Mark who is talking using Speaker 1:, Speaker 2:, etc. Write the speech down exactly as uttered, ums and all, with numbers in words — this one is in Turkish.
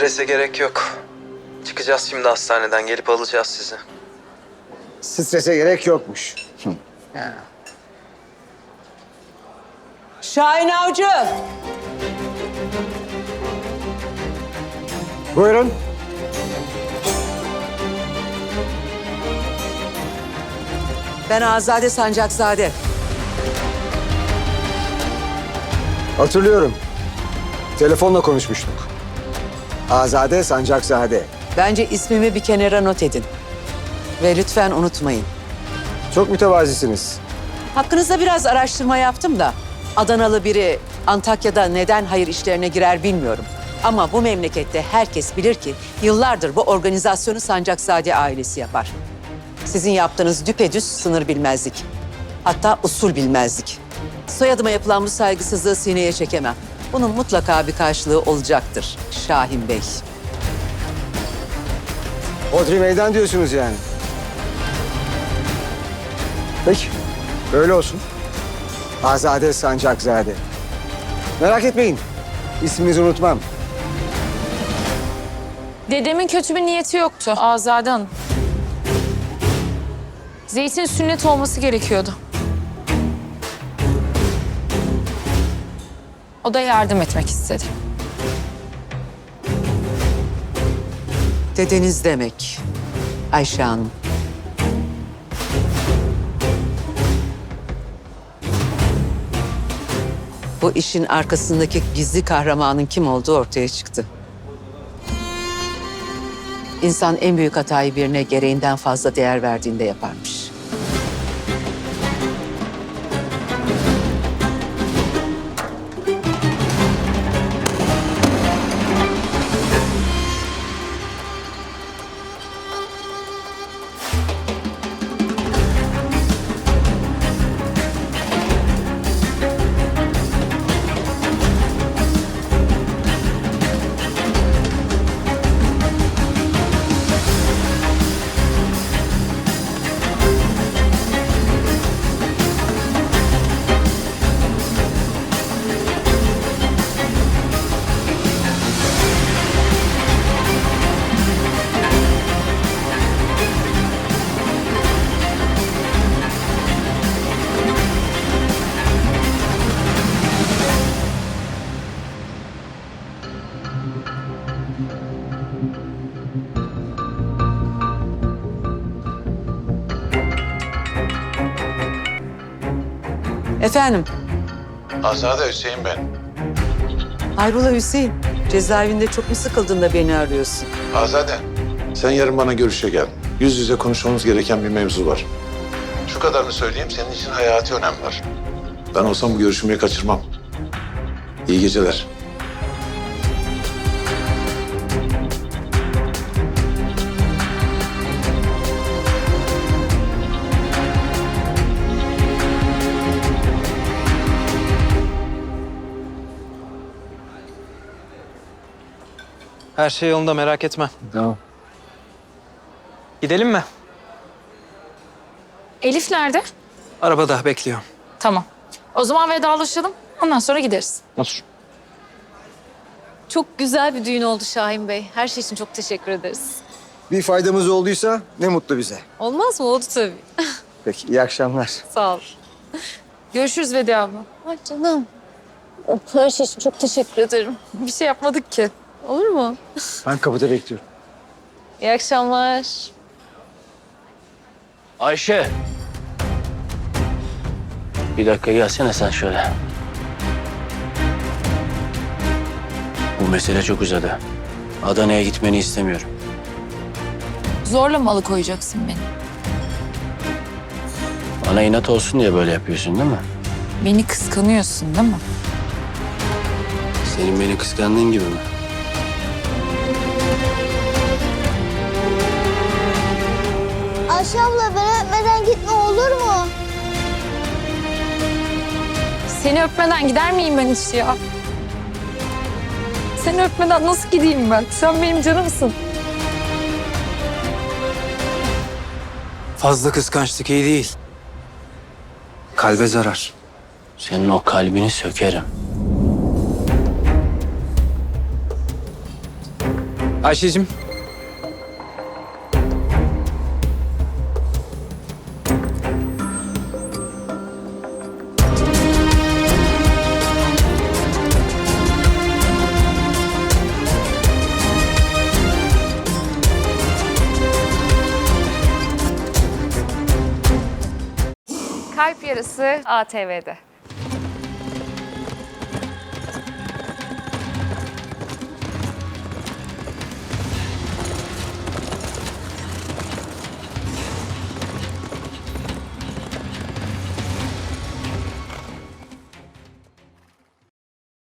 Speaker 1: Strese gerek yok. Çıkacağız şimdi hastaneden, gelip alacağız sizi.
Speaker 2: Strese gerek yokmuş.
Speaker 3: Şahin Avcı.
Speaker 2: Buyurun.
Speaker 3: Ben Azade Sancakzade.
Speaker 2: Hatırlıyorum. Telefonla konuşmuştuk. Azade Sancakzade.
Speaker 3: Bence ismimi bir kenara not edin. Ve lütfen unutmayın.
Speaker 2: Çok mütevazisiniz.
Speaker 3: Hakkınızda biraz araştırma yaptım da... Adanalı biri Antakya'da neden hayır işlerine girer bilmiyorum. Ama bu memlekette herkes bilir ki... yıllardır bu organizasyonu Sancakzade ailesi yapar. Sizin yaptığınız düpedüz sınır bilmezlik. Hatta usul bilmezlik. Soyadıma yapılan bu saygısızlığı sineye çekemem. Bunun mutlaka bir karşılığı olacaktır Şahin Bey.
Speaker 2: Hodri meydan diyorsunuz yani. Peki, öyle olsun. Azade Sancakzade. Merak etmeyin, isminizi unutmam.
Speaker 4: Dedemin kötü bir niyeti yoktu Azade Hanım. Zeytin sünnet olması gerekiyordu. O da yardım etmek istedi.
Speaker 3: Dedeniz demek Ayşe Hanım. Bu işin arkasındaki gizli kahramanın kim olduğu ortaya çıktı. İnsan en büyük hatayı birine gereğinden fazla değer verdiğinde yaparmış. Efendim,
Speaker 5: Azade Hüseyin ben.
Speaker 3: hayrola Hüseyin? Cezaevinde çok mu sıkıldın da beni arıyorsun?
Speaker 5: Azade, sen yarın bana görüşe gel. Yüz yüze konuşmamız gereken bir mevzu var. Şu kadarını söyleyeyim, senin için hayati önem var. Ben olsam bu görüşmeyi kaçırmam. İyi geceler.
Speaker 1: Her şey yolunda, merak etme.
Speaker 2: Tamam.
Speaker 1: Gidelim mi?
Speaker 4: Elif nerede?
Speaker 1: Arabada bekliyor.
Speaker 4: Tamam. O zaman vedalaşalım. Ondan sonra gideriz.
Speaker 1: Otur.
Speaker 6: Çok güzel bir düğün oldu Şahin Bey. Her şey için çok teşekkür ederiz.
Speaker 2: Bir faydamız olduysa ne mutlu bize.
Speaker 6: Olmaz mı? Oldu tabii.
Speaker 2: Peki, iyi akşamlar.
Speaker 6: Sağ ol.
Speaker 4: Görüşürüz Vedi abla.
Speaker 6: Ay canım. Her şey için çok teşekkür ederim.
Speaker 4: Bir şey yapmadık ki.
Speaker 6: Olur mu?
Speaker 2: Ben kapıda bekliyorum.
Speaker 6: İyi akşamlar.
Speaker 7: Ayşe. Bir dakika gelsene sen şöyle. Bu mesele çok uzadı. Adana'ya gitmeni istemiyorum.
Speaker 4: Zorla mı alıkoyacaksın beni?
Speaker 7: Bana inat olsun diye böyle yapıyorsun değil mi?
Speaker 4: Beni kıskanıyorsun değil mi?
Speaker 7: Senin beni kıskandığın gibi mi?
Speaker 8: Ayşe abla ben öpmeden gitme olur mu?
Speaker 4: Seni öpmeden gider miyim ben hiç ya? Seni öpmeden nasıl gideyim ben? Sen benim canımsın.
Speaker 1: Fazla kıskançlık iyi değil. Kalbe zarar.
Speaker 7: Senin o kalbini sökerim.
Speaker 9: Ayşe'cim.
Speaker 10: Kalp Yarısı A T V'de.